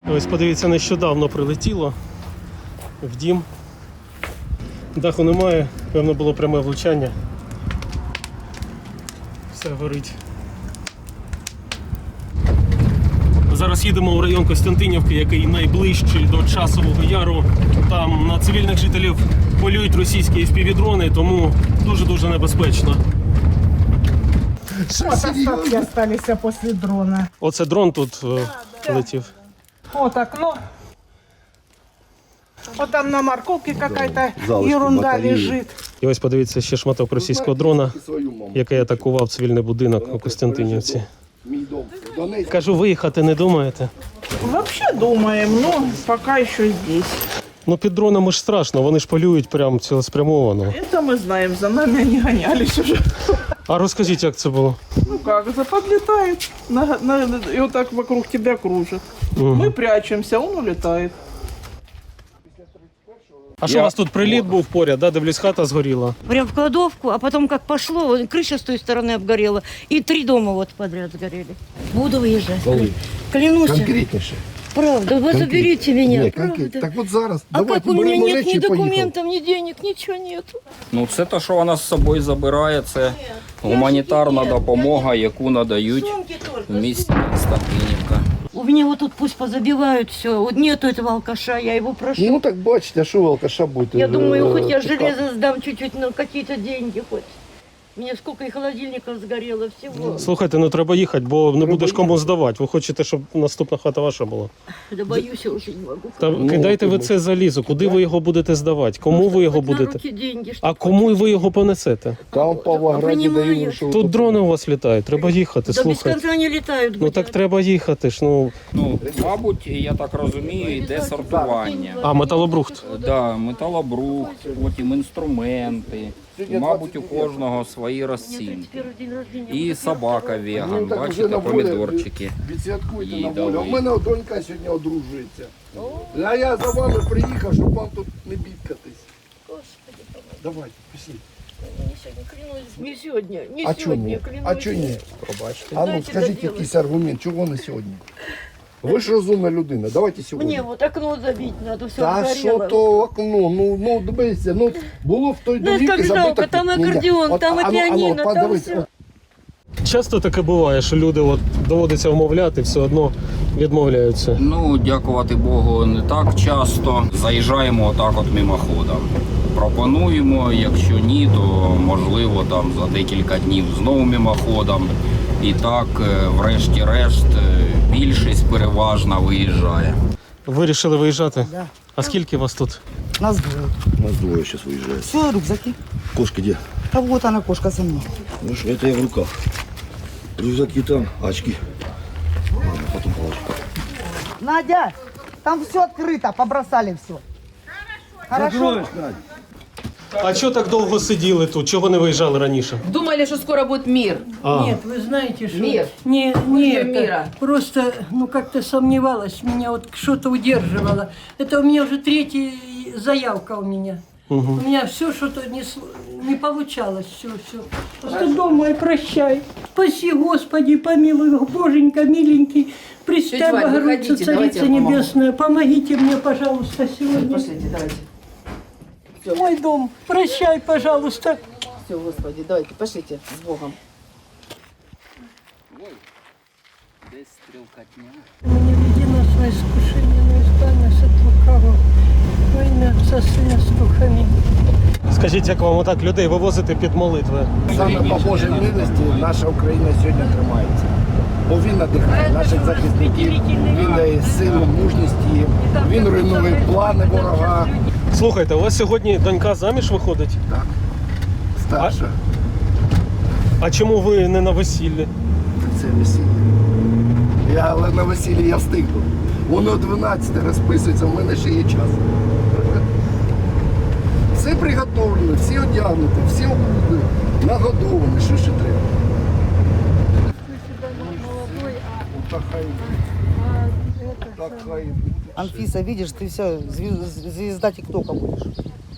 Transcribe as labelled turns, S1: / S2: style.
S1: Ось подивіться, нещодавно прилетіло в дім. Даху немає, певно було пряме влучання. Все горить. Зараз їдемо у район Костянтинівки, який найближчий до Часового Яру. Там на цивільних жителів полюють російські FPV-дрони, тому дуже-дуже небезпечно.
S2: Вот остатки остались после дрона.
S1: Оце дрон тут летів.
S2: Вот окно. Вот там на морковке какая-то ерунда лежит.
S1: І ось подивіться ще шматок російського дрона, який атакував цивільний будинок у Костянтинівці. Кажу, виїхати не думаєте?
S2: Вообще думаем, но пока еще здесь.
S1: Ну під дронами ж страшно, вони ж полюють прямо цілеспрямовано.
S2: Это мы знаем, за нами они гонялись уже.
S1: А розкажіть, як це було?
S2: Ну как, подлетает и вот так вокруг тебя кружит. Мы прячемся, он улетает.
S1: А що у вас тут приліт був поряд, да? Дивлюсь, хата згоріла.
S3: Прям в кладовку, а потом как пошло, крыша с той стороны обгорела, и 3 дома вот подряд сгорели. Буду выезжать. Клянусь.
S4: Конкретніше.
S3: Правда, вы заберите меня,
S4: Ні,
S3: правда.
S4: Так от зараз.
S3: А
S4: давайте
S3: как у меня
S4: беремо
S3: нет
S4: речі
S3: ни
S4: і поїхали.
S3: документов, ни денег, ничего нету.
S5: Ну, це те, що вона з собою забирає, це гуманітарна допомога, яку надають
S3: Сумки только.
S5: в місті Костянтинівка.
S3: У меня вот тут пусть позабивают все. Вот нету этого алкаша, я его прошу.
S4: Ну так бачите, а що ви алкаша будете?
S3: Я думаю, хоть я
S4: чекати?
S3: железо сдам чуть-чуть, но какие-то деньги хоть. У меня сколько и холодильников сгорело, всего.
S1: Слухайте, ну треба їхати, бо не будеш кому здавати. Ви хочете, щоб наступна хата ваша була?
S3: Да боюсь, я уже не могу.
S1: Та кидайте ви це залізо, куди ви його будете здавати? Кому ви його
S3: Хоть на
S1: будете?
S3: руки деньги,
S1: А
S3: чтоб
S1: кому
S3: хоть-
S1: ви його понесете?
S4: Там в Павлограді
S3: Понимаю.
S4: дають, що
S1: Тут дрони у вас літають, треба їхати,
S3: Да без
S1: слухайте.
S3: конца не летают.
S1: Ну так треба їхати ж, ну.
S5: Ну, мабуть, я так розумію, йде сортування.
S1: А, металобрухт.
S5: Да, металобрухт, потім інструменти. І, мабуть, у кожного свої розцінки. І собака веган,
S4: так
S5: бачите,
S4: вже на волі.
S5: помідорчики.
S4: Відсвяткуйте на
S5: Їдали.
S4: волю. У мене донька сьогодні одружується. А я за вами приїхав, щоб вам тут не бідкатись. Давайте, пішли.
S3: Не сегодня, не
S4: А чого
S3: сегодня,
S4: ні?
S3: клянусь.
S4: А чого ні? Пробачте. А ну
S3: Дайте
S4: скажіть
S3: доделать.
S4: якийсь аргумент, чого не сьогодні? Ви ж розумна людина, давайте сьогодні.
S3: Мне вот окно забить надо, все
S4: Та що то окно, ну дивіться, ну було в той
S3: Ну,
S4: домівці
S3: як
S4: забито.
S3: жалко, там
S4: Ні, ні.
S3: акордеон,
S4: От,
S3: там і
S4: ану,
S3: піаніно, там
S4: подивіться,
S3: все.
S1: Часто таке буває, що люди от доводиться вмовляти, все одно відмовляються.
S5: Ну, дякувати Богу, не так часто. Заїжджаємо отак от мимоходом. Пропонуємо, якщо ні, то можливо там за декілька днів знову мимоходом. І так, врешті-решт, більшість переважна виїжджає.
S1: Вирішили виїжджати?
S2: Да.
S1: А скільки вас тут?
S2: Нас двое.
S4: Нас двое сейчас выезжает.
S2: Все, рюкзаки.
S4: Кошка где?
S2: А вот она, кошка со мной.
S4: Ну что, это я в руках. Рюкзаки там, очки. Ладно, потом положу.
S2: Надя, там все открыто, побросали все. Хорошо.
S1: А чого так довго сиділи тут? Чого не виїжджали раніше?
S6: Думали, что скоро будет мир.
S1: А,
S7: Нет, вы знаете, что...
S6: Мир.
S7: Не
S6: Ждем
S7: это.
S6: мира.
S7: Просто, ну, как-то сомневалась, меня вот что-то удерживало. Это у меня уже 3-я заявка у меня. У меня все что-то не получалось, все. Просто думаю, прощай. Спаси, Господи, помилуй, Боженька, миленький. Пресвятая
S6: Тетя Валь,
S7: Богородица,
S6: выходите, давайте
S7: Царица
S6: я помогу.
S7: Небесная, помогите мне, пожалуйста, сегодня.
S6: Пошлите, давайте.
S7: Мой дом, прощай, пожалуйста.
S6: Все, Господи, давайте, пошлите с Богом.
S7: Не веди нас на искушение, но избавь нас от лукавого. Во имя Отца, Сына, Духа. Аминь.
S1: скажіть, як вам отак людей вивозити під молитви?
S4: Саме по Божій милості наша Україна сьогодні тримається. Бо він надихає наших захисників, він дає силу, мужність їм, він руйнує плани ворога.
S1: Слухайте, у вас сьогодні донька заміж виходить?
S4: Так, старша.
S1: А чому ви не на весіллі?
S4: Це весілля. Але на весіллі я встигну. Воно 12 розписується, в мене ще є час. Все приготовлено, всі одягнуті, всі нагодовані, що ще треба. Так хай буде. Так хай буде.
S2: Анфиса, видишь, ты все, звезда ТикТока будешь.